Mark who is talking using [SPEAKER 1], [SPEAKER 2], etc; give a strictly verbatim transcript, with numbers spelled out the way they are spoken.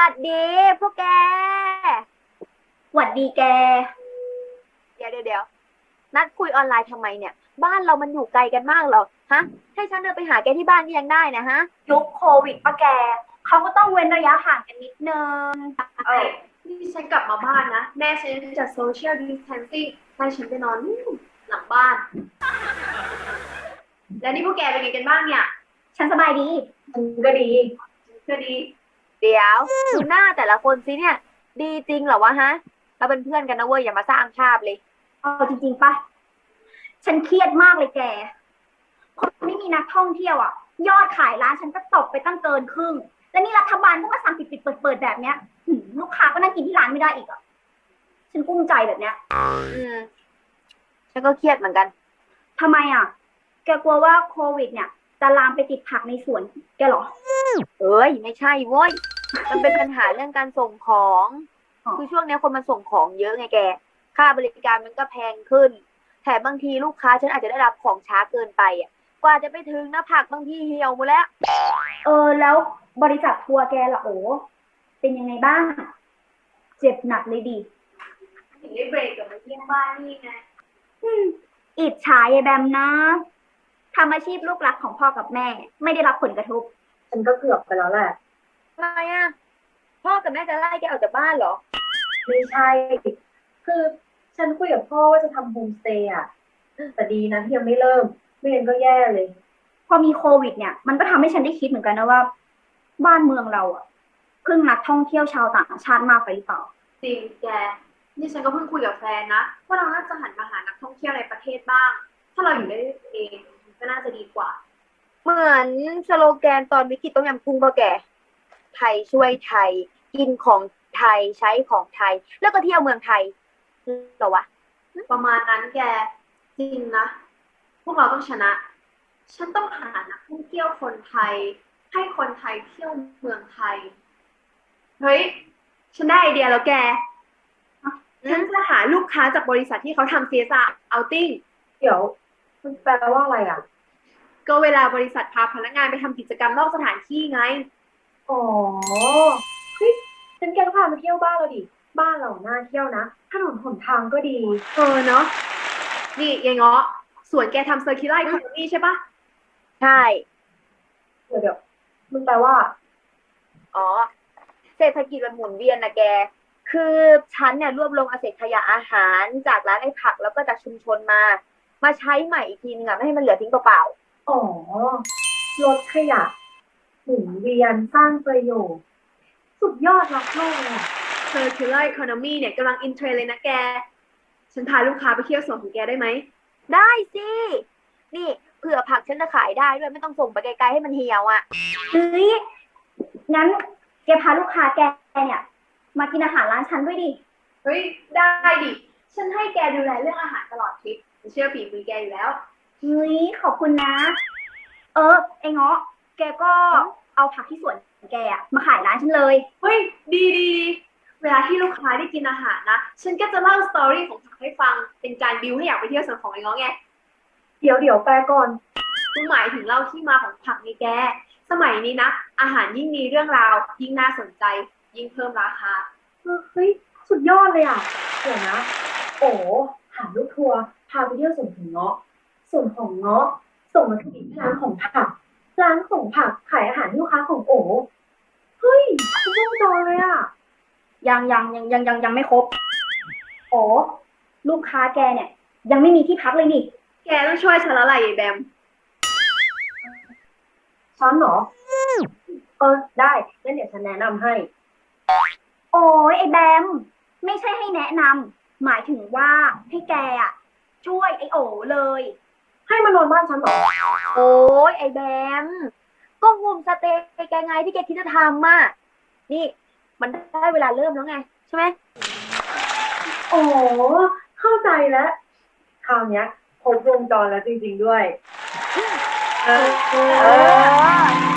[SPEAKER 1] ดดีพวกแก
[SPEAKER 2] หวัดดีแก
[SPEAKER 1] เดี๋ยวเดี๋ยวเดี๋ยวนัดคุยออนไลน์ทำไมเนี่ยบ้านเรามันอยู่ไกลกันมากเหรอฮะให้ฉันเดินไปหาแกที่บ้านก็ยังได้นะฮะ
[SPEAKER 2] ยุคโควิดปะแกเขาก็ต้องเว้นระยะห่างกันนิดนึง
[SPEAKER 1] เออนี่ฉันกลับมาบ้านนะแม่ฉันจัดโซเชียลดิสแทนซิ่งให้ฉันไปนอนนู่นหลังบ้านแล้วนี่พวกแกเป็นไงกันบ้างเนี่ย
[SPEAKER 2] ฉันสบายดี
[SPEAKER 1] ก็ดีก็ดีเดี๋ยวดูหน้าแต่ละคนสิเนี่ยดีจริงเหรอวะฮะเราเป็นเพื่อนกันนะเว้ยอย่ามาสร้างภาพเลย
[SPEAKER 2] เอาจริงๆปะฉันเครียดมากเลยแกพอไม่มีนักท่องเที่ยวอ่ะยอดขายร้านฉันก็ตกไปตั้งเกินครึ่งและนี่รัฐบาลก็มาสั่งปิดๆเปิดๆแบบเนี้ยลูกค้าก็นั่งกินที่ร้านไม่ได้อีกอ่ะฉันกุ้มใจแบบเนี้ย
[SPEAKER 1] อืมฉันก็เครียดเหมือนกัน
[SPEAKER 2] ทำไมอ่ะแกกลัวว่าโควิดเนี่ยจะลามไปติดผักในสวนแกเหรอ
[SPEAKER 1] เอ้ยไม่ใช่โว้ยมันเป็นปัญหาเรื่องการส่งของคือช่วงนี้คนมันส่งของเยอะไงแกค่าบริการมันก็แพงขึ้นแถมบางทีลูกค้าฉันอาจจะได้รับของช้าเกินไปอ่ะกว่าจะไปถึงนะผักบางทีเหี่ยวหมดแล้ว
[SPEAKER 2] เออแล้วบริษัททัวร์แกล่ะโอ้เป็นยังไงบ้างเจ็บหนักเลยดิ
[SPEAKER 1] ถึงได้เบรกกับมาเยี่ยมบ้านนี่ไง
[SPEAKER 2] อืมอิจฉาไอ้แบมนะทำอาชีพลูกรักของพ่อกับแม่ไม่ได้รับผลกระทบ
[SPEAKER 3] ฉันก็เกือบไปแล้วแหละ
[SPEAKER 1] ทำไมอ่ะพ่อกับแม่จะไล่แกออกจากบ้านเหรอ
[SPEAKER 3] ไม่ใช่ คือฉันคุยกับพ่อว่าจะทำโฮมสเตย์อ่ะแต่ดีนะที่ยังไม่เริ่มไม่งั้นก็แย่เลย
[SPEAKER 2] พอมีโควิดเนี่ยมันก็ทำให้ฉันได้คิดเหมือนกันนะว่าบ้านเมืองเราอ่ะพึ่งนักท่องเที่ยวชาวต่างชาติมากไปหรือเปล่า
[SPEAKER 1] จริงแกนี่ฉันก็เพิ่งคุยกับแฟนนะว่าเราน่าจะหันมาหานักท่องเที่ยวในประเทศบ้างถ้าเราอยู่ได้เองก็น่าจะดีกว่าเหมือนสโลแกนตอนวิกฤตต้มยำกุ้งป่ะแกไทยช่วยไทยกินของไทยใช้ของไทยแล้วก็เที่ยวเมืองไทยเหรอวะประมาณนั้นแกจริงนะพวกเราต้องชนะฉันต้องหานักท่องเที่ยวคนไทยให้คนไทยเที่ยวเมืองไทยเฮ้ยฉันได้ไอเดียแล้วแกฉันจะหาลูกค้าจากบริษัทที่เขาทำ ซี เอส อาร์ outing
[SPEAKER 3] เดี๋ยวมันแปลว่าอะไรอ่ะ
[SPEAKER 1] ก็เวลาบริษัทพาพนักงานไปทำกิจกรรมนอกสถานที่ไง
[SPEAKER 3] อ๋อเฮ้ยฉันแกก็พามาเที่ยวบ้านเราดิบ้านเราน่าเที่ยวนะถนนหนทางก็ดี
[SPEAKER 1] เออเนาะนี่ยายเงาะสวนแกทำ circular economy ใช่ปะใช่
[SPEAKER 3] เดี๋ยวเดี๋ยวมันแปลว่า
[SPEAKER 1] อ๋อเศรษฐกิจมันหมุนเวียนนะแกคือฉันเนี่ยรวบรวมเอาเศษขยะอาหารจากร้านไอ้ผักแล้วก็จากชุมชนมามาใช้ใหม่อีกทีนึงอะไม่ให้มันเหลือทิ้งเปล่า
[SPEAKER 3] ๆอ๋อลดขยะหมุนเวียนสร้างประโยชน์สุดยอดรักโลกเลย
[SPEAKER 1] circular economy เนี่ยกำลังอินเทรนด์เลยนะแกฉันพาลูกค้าไปเที่ยวสวนของแกได้ไหมได้สินี่เผื่อผักฉันจะขายได้ด้วยไม่ต้องส่งไปไกลๆให้มันเหี่ยวอ่ะ
[SPEAKER 2] เฮ้ยงั้นแกพาลูกค้าแกเนี่ยมากินอาหารร้านฉันด้วยดิ
[SPEAKER 1] เฮ้ยได้ดิฉันให้แกดูแลเรื่องอาหารตลอดทริปเชื่อฝีมือแกอยู่แล้ว
[SPEAKER 2] เฮ้ยขอบคุณนะ เออไอ้เงาะแกก็เอาผักที่สวนแกอะมาขายร้านฉันเลย
[SPEAKER 1] เฮ้ยดีดีเวลาที่ลูกค้าได้กินอาหารนะฉันก็จะเล่าสตอรี่ของผักให้ฟังเป็นการบิวให้อยากไปเที่ยวสวนของไอ้เงาะไง
[SPEAKER 3] เดี๋ยวเดี๋ยวแปลก่อน
[SPEAKER 1] คุณหมายถึงเล่าที่มาของผักนี่แกสมัยนี้นะอาหารยิ่งมีเรื่องราวยิ่งน่าสนใจยิ่งเพิ่มราคา
[SPEAKER 3] เฮ้ยสุดยอดเลยอ่ะเดี๋ยวนะโอ้หาลูกทัวร์พาไปเที่ยวสวนของเงาะส่วนของเงาะส่งมาที่ร้านของผักร้านของผักขายอาหารให้ลูกค้าของโอ๋เฮ้ยคุณต้องจอเลยอ่ะ
[SPEAKER 2] ยังยังยังยังยังยังไม่ครบอ๋อลูกค้าแกเนี่ยยังไม่มีที่พักเลยนี่
[SPEAKER 1] แกต้องช่วยฉันแล้วล่ะยายแบม
[SPEAKER 3] ช้อนเหรอเออได้งั้นเดี๋ยวฉันแนะนำให้
[SPEAKER 2] โอ้ยไอ้แบมไม่ใช่ให้แนะนำหมายถึงว่าให้แกอ่ะช่วยไอ้โอเลย
[SPEAKER 3] ให้มานอนบ้านฉันเหรอ
[SPEAKER 1] โอ้ยไอ้แบมก็โฮมสเตย์แกไงที่แกคิดจะทำอ่ะนี่มันได้เวลาเริ่มแล้วไงใช่ไหม
[SPEAKER 3] โอ้เข้าใจแล้วคราวนี้ครบวงจรแล้วจริงๆด้วย
[SPEAKER 1] เออเออ